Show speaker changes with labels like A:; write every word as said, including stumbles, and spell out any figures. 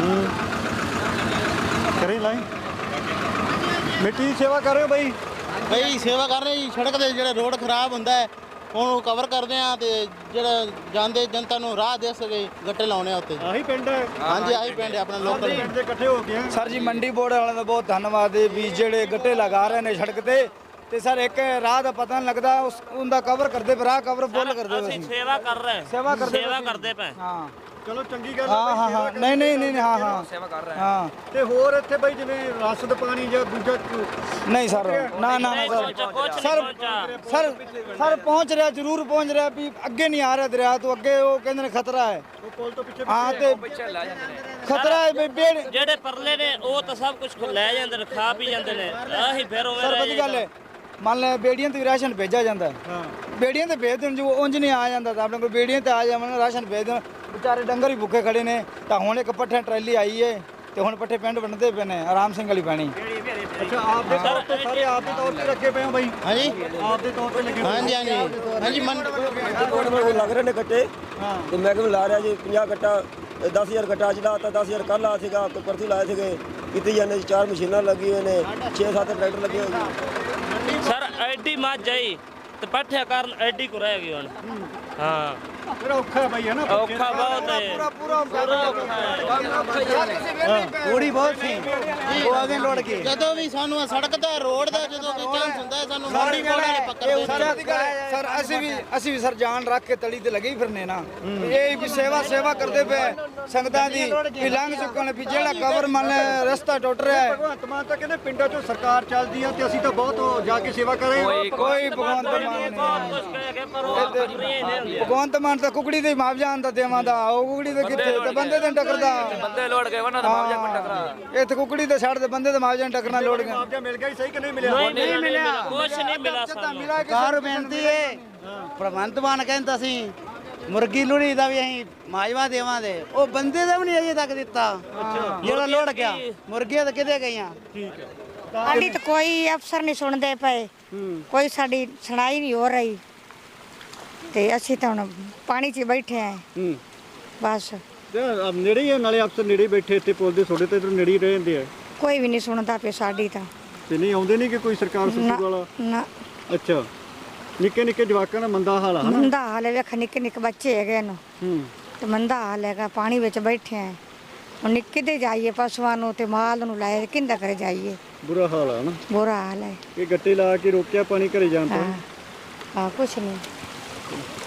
A: ਕਰੀ ਲਾਈ ਮਿੱਟੀ ਦੀ ਸੇਵਾ ਕਰ ਰਹੇ ਹੋ ਬਾਈ?
B: ਬਈ ਸੇਵਾ ਕਰ ਰਹੇ ਜੀ। ਸੜਕ ਦੇ ਜਿਹੜੇ ਰੋਡ ਖਰਾਬ ਹੁੰਦਾ ਹੈ ਉਹਨੂੰ ਕਵਰ ਕਰਦੇ ਆ ਤੇ ਜਿਹੜਾ ਜਾਂਦੇ ਜਨਤਾ ਨੂੰ ਰਾਹ ਦੇ ਸਕੇ ਗੱਟੇ ਲਾਉਣੇ ਆ ਉੱਤੇ।
A: ਆਹੀ ਪਿੰਡ ਹੈ?
B: ਹਾਂਜੀ ਆਹੀ ਪਿੰਡ ਹੈ ਆਪਣਾ ਲੋਕਲ
A: ਪਿੰਡ ਦੇ ਇਕੱਠੇ ਹੋ ਗਏ
C: ਸਰ ਜੀ ਮੰਡੀ ਬੋਰਡ ਵਾਲਿਆਂ ਦਾ ਬਹੁਤ ਧੰਨਵਾਦ ਹੈ ਵੀ ਜਿਹੜੇ ਗੱਟੇ ਲਗਾ ਰਹੇ ਨੇ ਸੜਕ ਤੇ ਤੇ ਸਰ ਇੱਕ ਰਾਹ ਦਾ ਪਤਾ ਨਹੀਂ ਲੱਗਦਾ ਉਸ ਉਹਦਾ ਕਵਰ ਕਰਦੇ ਪਏ, ਰਾਹ ਕਵਰ ਫੁੱਲ ਕਰਦੇ ਪਏ।
D: ਅਸੀਂ ਸੇਵਾ ਕਰ ਰਹੇ
C: ਸੇਵਾ ਕਰਦੇ
D: ਸੇਵਾ ਕਰਦੇ ਪਏ।
C: ਹਾਂ
A: ਚਲੋ ਚੰਗੀ ਗੱਲ
C: ਹਾਂ ਹਾਂ ਹਾਂ ਨਹੀਂ ਨਹੀਂ ਨਹੀਂ ਹਾਂ ਹਾਂ
E: ਸੇਵਾ ਕਰ ਰਹੇ
C: ਹਾਂ
A: ਤੇ ਹੋਰ ਇੱਥੇ ਬਾਈ ਜਿਵੇਂ ਰਸਦ ਪਾਣੀ ਜਾਂ ਦੂਜਾ
C: ਨਹੀਂ ਸਰ ਨਾ ਨਾ ਨਾ ਸਰ ਸਰ ਸਰ ਸਰ ਪਹੁੰਚ ਰਿਹਾ ਜ਼ਰੂਰ ਪਹੁੰਚ ਰਿਹਾ ਵੀ ਅੱਗੇ ਨਹੀਂ ਆ ਰਿਹਾ ਦਰਿਆ ਤੋਂ ਅੱਗੇ ਉਹ ਕਹਿੰਦੇ ਨੇ ਖਤਰਾ ਹੈ
A: ਉਹ ਪੁਲ ਤੋਂ ਪਿੱਛੇ
C: ਹਾਂ ਤੇ ਖਤਰਾ ਹੈ ਵੀ ਬੇੜ
D: ਜਿਹੜੇ ਪਰਲੇ ਨੇ ਉਹ ਤਾਂ ਸਭ ਕੁਝ ਲੈ ਜਾਂਦੇ ਨੇ, ਖਾ ਪੀ ਜਾਂਦੇ ਨੇ। ਆਹੀ ਫਿਰ ਉਵੇਂ
C: ਸਰ ਵਧੀਆ ਗੱਲ ਹੈ ਮੰਨ ਲੈ ਬੇੜੀਆਂ ਤੇ ਵੀ ਰਾਸ਼ਨ ਭੇਜਿਆ ਜਾਂਦਾ
A: ਹਾਂ
C: ਬੇੜੀਆਂ ਤੇ ਭੇਜ ਦੇਣ ਜੋ ਉਂਝ ਨਹੀਂ ਆ ਜਾਂਦਾ ਤਾਂ ਆਪਣੇ ਕੋਲ ਬੇੜੀਆਂ ਤੇ ਆ ਜਾਵਣ ਰਾਸ਼ਨ ਭੇਜ ਦੇਣ ਵਿਚਾਰੇ ਡੰਗਰ ਹੀ ਭੁੱਖੇ ਖੜੇ ਨੇ ਤਾਂ ਹੁਣ ਇੱਕ ਪੱਠੇ ਟਰੈਲੀ ਆਈ ਏ ਤੇ ਹੁਣ ਪੱਠੇ ਪਿੰਡ ਵੰਡਦੇ ਪਏ ਨੇ ਆਰਾਮ ਸਿੰਘ ਵਾਲੀ ਪੈਣੀ।
A: ਅੱਛਾ ਆਪ ਦੇ ਤੌਰ ਤੇ ਸਾਰੇ ਆਪ ਦੇ ਤੌਰ ਤੇ ਰੱਖੇ ਪਏ ਹੋ ਬਾਈ?
B: ਹਾਂਜੀ
A: ਆਪ ਦੇ ਤੌਰ ਤੇ ਲੱਗੇ ਹੋਏ?
B: ਹਾਂਜੀ ਹਾਂਜੀ ਹਾਂਜੀ ਮੰਨ
F: ਕੋਟ ਮੇਰੇ ਕੋਲ ਲੱਗ ਰਹੇ ਨੇ ਗੱਟੇ
A: ਹਾਂ
F: ਤੇ ਮੈਂ ਕਿਹਾ ਲਾ ਰਿਹਾ ਜੀ ਪੰਜਾਹ ਗੱਟਾ ਦਸ ਹਜ਼ਾਰ ਗੱਟਾ ਅੱਜ ਲਾਤਾ ਦਸ ਹਜ਼ਾਰ ਕੱਲ੍ਹ ਆ ਸੀਗਾ ਕੋਈ ਪਰਸੋਂ ਲਾਏ ਸੀਗੇ ਕੀਤੀ ਜਾਂਦੇ ਚਾਰ ਮਸ਼ੀਨਾਂ ਲੱਗੀ ਹੋਏ ਨੇ ਛੇ ਸੱਤ ਟਰੈਕਟਰ ਲੱਗੇ ਹੋਏ ਨੇ।
D: ਸਰ ਐਡੀ ਮੱਝ ਆਈ ਤੇ ਪੱਠਿਆ ਕਾਰਨ ਐਡੀ ਕੁ ਰਹਿ ਗਈ ਹੁਣ। ਹਾਂ
A: ਫਿਰ ਔਖਾ ਹੈ ਬਾਈ ਹੈ ਨਾ?
D: ਔਖਾ ਬਹੁਤ ਹੈ।
C: ਪੂਰਾ ਪੂਰੀ ਬਹੁਤ ਸੀ ਉਹ ਆਗੇ ਲੋੜ ਕੇ
B: ਜਦੋਂ ਵੀ ਸਾਨੂੰ ਆਹ ਸੜਕ ਦਾ ਰੋਡ ਦਾ ਜਦੋਂ ਕੋਈ ਚਾਂਸ ਹੁੰਦਾ ਹੈ ਸਾਨੂੰ ਮੰਡੀ ਬੋਰਡ ਵਾਲੇ ਪਕੜਦੇ ਨੇ।
C: ਸਰ ਅਸੀਂ ਵੀ ਅਸੀਂ ਵੀ ਸਰ ਜਾਨ ਰੱਖ ਕੇ ਤਲੀ ਤੇ ਲੱਗੇ ਹੀ ਫਿਰਨੇ ਨਾ ਇਹ ਵੀ ਸੇਵਾ ਸੇਵਾ ਕਰਦੇ ਪਏ ਸੰਗਤਾਂ ਦੀ ਵੀ ਲੰਘ ਚੁੱਕਣ ਵੀ ਜਿਹੜਾ ਕਵਰ ਮੰਨ ਲੈ ਰਸਤਾ ਟੁੱਟ ਰਿਹਾ ਹੈ।
A: ਭਗਵੰਤ ਮਾਨ ਤਾਂ ਕਹਿੰਦੇ ਪਿੰਡਾਂ 'ਚੋਂ ਸਰਕਾਰ ਚੱਲਦੀ ਆ ਤੇ ਅਸੀਂ ਤਾਂ ਬਹੁਤ ਜਾ ਕੇ ਸੇਵਾ ਕਰ ਰਹੇ ਹਾਂ।
C: ਕੋਈ ਭਗਵੰਤ ਮਾਨ ਨਹੀਂ
D: ਕੁਝ ਕਹਿ ਕੇ ਪਰ ਉਹ ਆਪਣੀਆਂ ਹੀ ਨੇ ਹੁੰਦੀਆਂ।
C: ਭਗਵੰਤ ਮਾਨ ਤਾਂ ਕੁਕੜੀ ਦੇ ਮੁਆਵਜ਼ਾ ਆਂਦਾ ਦੇਵਾਂਦਾ ਉਹ ਕੁਕੜੀ ਦੇ ਕਿੱਥੇ ਤੇ ਬੰਦੇ ਤੇ ਟੱਕਰਦਾ
E: ਬੰਦੇ ਲੋੜ ਗਏ ਉਹਨਾਂ ਦਾ ਮੁਆਵਜ਼ਾ ਕੋਈ ਟਕਰਾ
C: ਇੱਥੇ ਕੁਕੜੀ ਤੇ ਛੱਡ ਦੇ ਬੰਦੇ ਦੇ ਮੁਆਵਜ਼ਾ ਟੱਕਰਨਾ ਲੋੜ ਗਿਆ
A: ਮੁਆਵਜ਼ਾ ਮਿਲ ਗਿਆ ਹੀ ਸਹੀ ਕਿ ਨਹੀਂ ਮਿਲਿਆ?
D: ਨਹੀਂ ਮਿਲਿਆ ਕੁਝ ਨਹੀਂ ਮਿਲਿਆ ਸਾਨੂੰ।
G: ਕਾਰ ਬੇਨਤੀ ਹੈ ਭਗਵੰਤ ਮਾਨ ਕਹਿੰਦਾ ਸੀ ਮੁਰਗੀ ਲੁੜੀ ਦਾ ਵੀ ਅਸੀਂ ਮਾਜਵਾ ਦੇਵਾਂਗੇ ਉਹ ਬੰਦੇ ਦਾ ਵੀ ਨਹੀਂ ਅਜੇ ਤੱਕ ਦਿੱਤਾ ਜਿਹੜਾ ਲੋੜ ਗਿਆ ਮੁਰਗੀਆਂ ਤਾਂ ਕਿਤੇ ਗਈਆਂ।
H: ਸਾਡੀ ਤਾਂ ਕੋਈ ਅਫਸਰ ਨਹੀਂ ਸੁਣਦੇ ਪਏ ਕੋਈ ਸਾਡੀ ਸੁਣਾਈ ਨਹੀਂ ਹੋ ਰਹੀ ਤੇ ਅਸੀਂ ਤਾਂ ਹੁਣ ਪਾਣੀ 'ਚ ਬੈਠੇ ਆਂ ਬਸ।
A: ਤੇ ਨੇੜੇ ਹੀ ਆ, ਨਾਲੇ ਅਫਸਰ ਨੇੜੇ ਹੀ ਬੈਠੇ ਇੱਥੇ ਪੁੱਲ ਦੇ ਥੋੜੇ ਤੇ ਨੇੜੇ ਹੀ ਰਹਿੰਦੇ ਆ
H: ਕੋਈ ਵੀ ਨਹੀਂ ਸੁਣਦਾ ਪਿਆ ਸਾਡੀ ਤਾਂ।
A: ਤੇ ਨਹੀਂ ਆਉਂਦੇ ਨਹੀਂ ਕਿ ਕੋਈ ਸਰਕਾਰ ਸੁਸੂ ਵਾਲਾ?
H: ਨਾ
A: ਅੱਛਾ ਨਿੱਕੇ ਨਿੱਕੇ ਜਵਾਕਾਂ ਦਾ ਮੰਦਾ ਹਾਲ ਆ ਹਨਾ?
H: ਮੰਦਾ ਹਾਲ ਹੈ ਵੇਖ ਨਿੱਕੇ ਨਿੱਕੇ ਬੱਚੇ ਹੈਗੇ ਨੂੰ
A: ਹੂੰ
H: ਤੇ ਮੰਦਾ ਹਾਲ ਹੈਗਾ ਪਾਣੀ ਵਿੱਚ ਬੈਠੇ ਆਂ ਹੁਣ ਨਿੱਕੇ ਦੇ ਜਾਈਏ ਪਸ਼ੂਆਂ ਨੂੰ ਤੇ ਮਾਲ ਨੂੰ ਲਾਏ ਕਿੰਦਾ ਕਰੇ ਜਾਈਏ
A: ਬੁਰਾ ਹਾਲ ਆ ਨਾ?
H: ਬੁਰਾ ਹਾਲ ਹੈ।
A: ਇਹ ਗੱਟੇ ਲਾ ਕੇ ਰੋਕਿਆ ਪਾਣੀ ਘਰੇ ਜਾਣ ਤੋਂ?
H: ਹਾਂ ਹਾਂ ਕੁਛ ਨਹੀਂ।